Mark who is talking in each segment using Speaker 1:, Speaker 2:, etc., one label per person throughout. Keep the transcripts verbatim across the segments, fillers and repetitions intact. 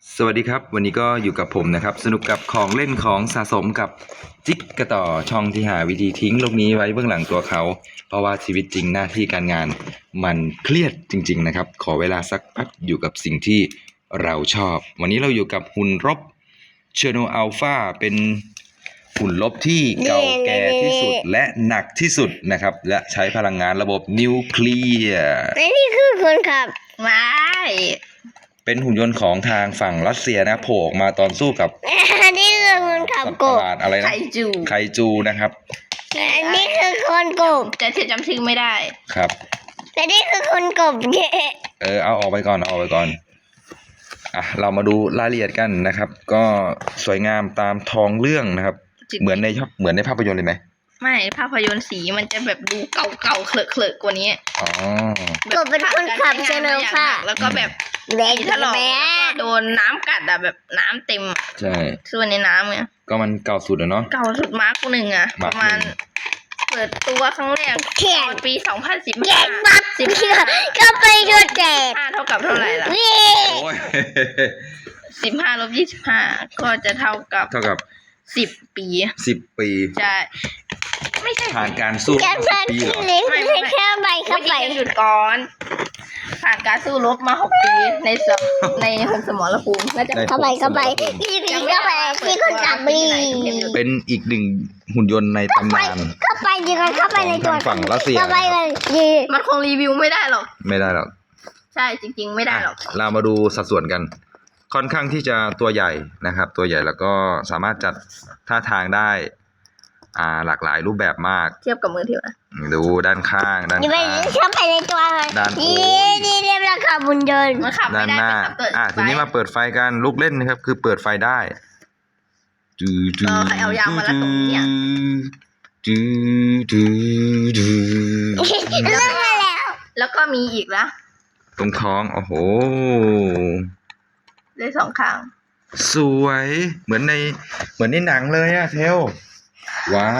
Speaker 1: สวัสดีครับวันนี้ก็อยู่กับผมนะครับสนุกกับของเล่นของสะสมกับจิ๊กกระต่อช่องที่หาวิธีทิ้งโลกนี้ไว้เบื้องหลังตัวเขาเพราะว่าชีวิตจริงหน้าที่การงานมันเครียดจริงๆนะครับขอเวลาสักพักอยู่กับสิ่งที่เราชอบวันนี้เราอยู่กับหุ่นรบเชโนอัลฟาเป็นหุ่นรบที่เก่าแก่ที่สุดและหนักที่สุดนะครับและใช้พลังงานระบบนิวเคลียร์
Speaker 2: และนี่คือคนขับไม่
Speaker 1: เป็นหุ่นยนต์ของทางฝั่งรัสเซียนะโผล่ออกมาตอนสู้กับ
Speaker 2: อันนี้คือคนขับ
Speaker 1: สัตว์
Speaker 2: ก
Speaker 1: ประ
Speaker 2: บ
Speaker 1: หลาดอะไรนะ
Speaker 3: ไคจู
Speaker 1: ไคจูนะครับ
Speaker 2: อันนี้คือคนกบ
Speaker 3: แต่เธอจำชื่อไม่ได้
Speaker 1: ครับ
Speaker 2: และนี่คือคนกบเย่
Speaker 1: เออเอาออกไปก่อนเอาออกไปก่อนอ่ะเรามาดูรายละเอียดกันนะครับ ก็สวยงามตามท้องเรื่องนะครับ
Speaker 3: จริง
Speaker 1: เหมือนในชอบเหมือนในภาพยนตร์เลยไหม
Speaker 3: ไม่ภาพยนตร์สีมันจะแบบดูเก่าๆเคลอะๆกว่านี้
Speaker 1: อ๋อ
Speaker 2: กบเป็นคนขับเชนลค่ะ
Speaker 3: แล้วก็แบบ
Speaker 2: แดง
Speaker 3: มี
Speaker 2: ถ
Speaker 3: ถ
Speaker 2: ล
Speaker 3: ล
Speaker 2: อ
Speaker 3: อก แล้วก็โดนน้ำกัดอะแบบน้ำเต็มอะ
Speaker 1: ใช่
Speaker 3: ส่วนในน้ำไง
Speaker 1: ก็มันเก่าสุดอะเนาะ
Speaker 3: เก่าสุดมาร์กหนึ่งอะ
Speaker 1: มา
Speaker 3: ป
Speaker 1: ร์ค
Speaker 3: ระมาณ
Speaker 1: หนึ่ง
Speaker 3: เปิดตัวครั้งแรก
Speaker 2: แข่ง
Speaker 3: ตอนปีสองพันสิบ
Speaker 2: แข่
Speaker 3: ห้าง
Speaker 2: บัก
Speaker 3: สิบ
Speaker 2: เชื่อ
Speaker 3: ห้า
Speaker 2: ก็ไปโดนแดด
Speaker 3: ห้าเท่ากับเท่าไหร่ล่ะ
Speaker 2: เย่
Speaker 1: โอ้ย
Speaker 3: สิบห้าลบยี่สิบห้าก็จะเท่ากับ
Speaker 1: เท่ากับ
Speaker 3: สิบปี
Speaker 1: สิบปี
Speaker 3: ใช่ไม่ใช่
Speaker 1: ผ่านการสู้
Speaker 2: แค่
Speaker 1: สิ
Speaker 2: พั
Speaker 1: บ
Speaker 2: น
Speaker 1: ปีเหรอ
Speaker 2: เล็กไม่แค่ใบเข้าไป
Speaker 3: ไปหยุดก่อนผ่านการสู้รบมาหกปีในสมในหกสมรภูมิน่าจะ
Speaker 1: ใน
Speaker 2: เข้าไปเข้าไปที่ที่เข้าไปที่คนขับบี
Speaker 1: เป็นอีกหนึ่งหุ่นยนต์ในตำนาน
Speaker 2: เข้าไปดีกันเข้าไปในตัว
Speaker 1: ของทางฝั่งรัสเซีย
Speaker 2: เข้าไปเลยดี
Speaker 3: มันคงรีวิวไม่ได้หรอก
Speaker 1: ไม่ได้หรอก
Speaker 3: ใช่จริง ๆ ไม่ได้หรอก
Speaker 1: อ่ะเรามาดูสัดส่วนกัน ค่อนข้างที่จะตัวใหญ่นะครับ ตัวใหญ่แล้วก็สามารถจัดท่าทางได้ อ่าหลากหลายรูปแบบมาก
Speaker 3: เทียบกับมือถือนะ
Speaker 1: ดูด้านข้างด้าน
Speaker 2: ดีไป
Speaker 1: ข้าง
Speaker 2: เข้าไปในตัวเลย
Speaker 1: ด้านโอ้
Speaker 2: ดี
Speaker 1: ย
Speaker 2: ดีเรียบร้อยขับบุญยนต์
Speaker 3: มันขับ
Speaker 1: ด้า
Speaker 3: ไม่
Speaker 1: น
Speaker 3: ได้
Speaker 1: หน้า
Speaker 3: มันขับเปิด
Speaker 1: อ่ะทีนี้มาเปิดไฟกันลูกเล่นนะครับ คือเปิดไฟได้จืดจื
Speaker 3: เออใครเอายางมารัดตรงนี้อ่ะ
Speaker 1: จืดจืดจืด
Speaker 2: เรื่องมาแล้ว
Speaker 3: แล้วก็มีอีกนะ
Speaker 1: ตรงท้องโอ้โห
Speaker 3: เลยสองข้าง
Speaker 1: สวยเหมือนในเหมือนในหนังเลยอะเทลว้าว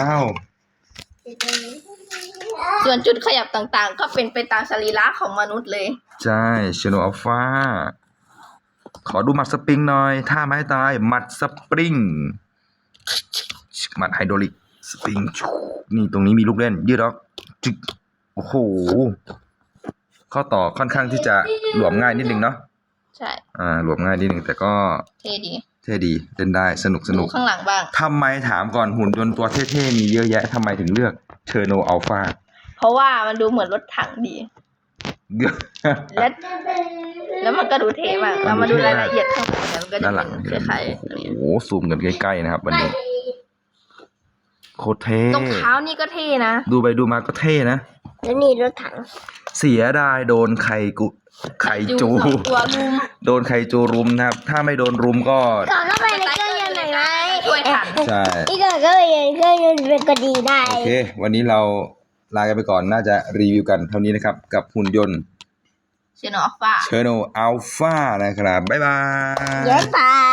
Speaker 3: ส่วนจุดขยับต่างๆ ก็เป็นไปตามสรีระของมนุษย์เลย
Speaker 1: ใช่ชโนอัลฟาขอดูหมัดสปริงหน่อยท่าไม้ตายหมัดสปริงหมัดไฮดรอลิกสปริงนี่ตรงนี้มีลูกเล่น ยืดออกจึกโอ้โหข้อต่อค่อนข้างที่จะหลวมง่ายนิดนึงเนาะ
Speaker 3: ใช่
Speaker 1: อ่าหลวมง่ายนิดนึงแต่ก็
Speaker 3: เท่ดี
Speaker 1: เท่ดีเล่นได้สนุกส
Speaker 3: ดู
Speaker 1: นุก
Speaker 3: ข้างหลังบ้าง
Speaker 1: ทำไมถามก่อนหุ่นยนต์ตัวเท่ๆมีเยอะแยะทำไมถึงเลือกเชอร์โนอัลฟา
Speaker 3: เพราะว่ามันดูเหมือนรถถังดี และแล้วมันก็ดูเท่มากเรามาดูรายละเอียดข้างหลังเนี่ยมันก็จะ
Speaker 1: ด้านหลัง
Speaker 3: เป็นคล้ายๆอันนี้
Speaker 1: โอ้โหซูมกันใกล้ๆนะครับวันนี้โคตรเท่
Speaker 3: ตรงเท้านี่ก็เท่นะ
Speaker 1: ดูไปดูมาก็เท่นะ
Speaker 2: แล้วนี่รถถัง
Speaker 1: เสียดายโดนไข่กุไข่จู
Speaker 3: สองตัวรุม
Speaker 1: โดนไข่จูรุมนะครับ ถ้าไม่โดนรุมก็
Speaker 2: ก่อนเข้าไปในเครื่องยนต์หน่อยไหม
Speaker 3: ช่วยทัน
Speaker 1: ใช่
Speaker 2: นี่ก่อนเข้าไปในเครื่องยนต์เป็นก็ดีได้
Speaker 1: โอเค วันนี้เราลากันไปก่อนน่าจะรีวิวกันเท่านี้นะครับ กับหุ่นยนต์
Speaker 3: เชนออฟฟ้า
Speaker 1: เชอร์โนอัลฟานะครับ บ๊ายบาย
Speaker 2: เย้ไป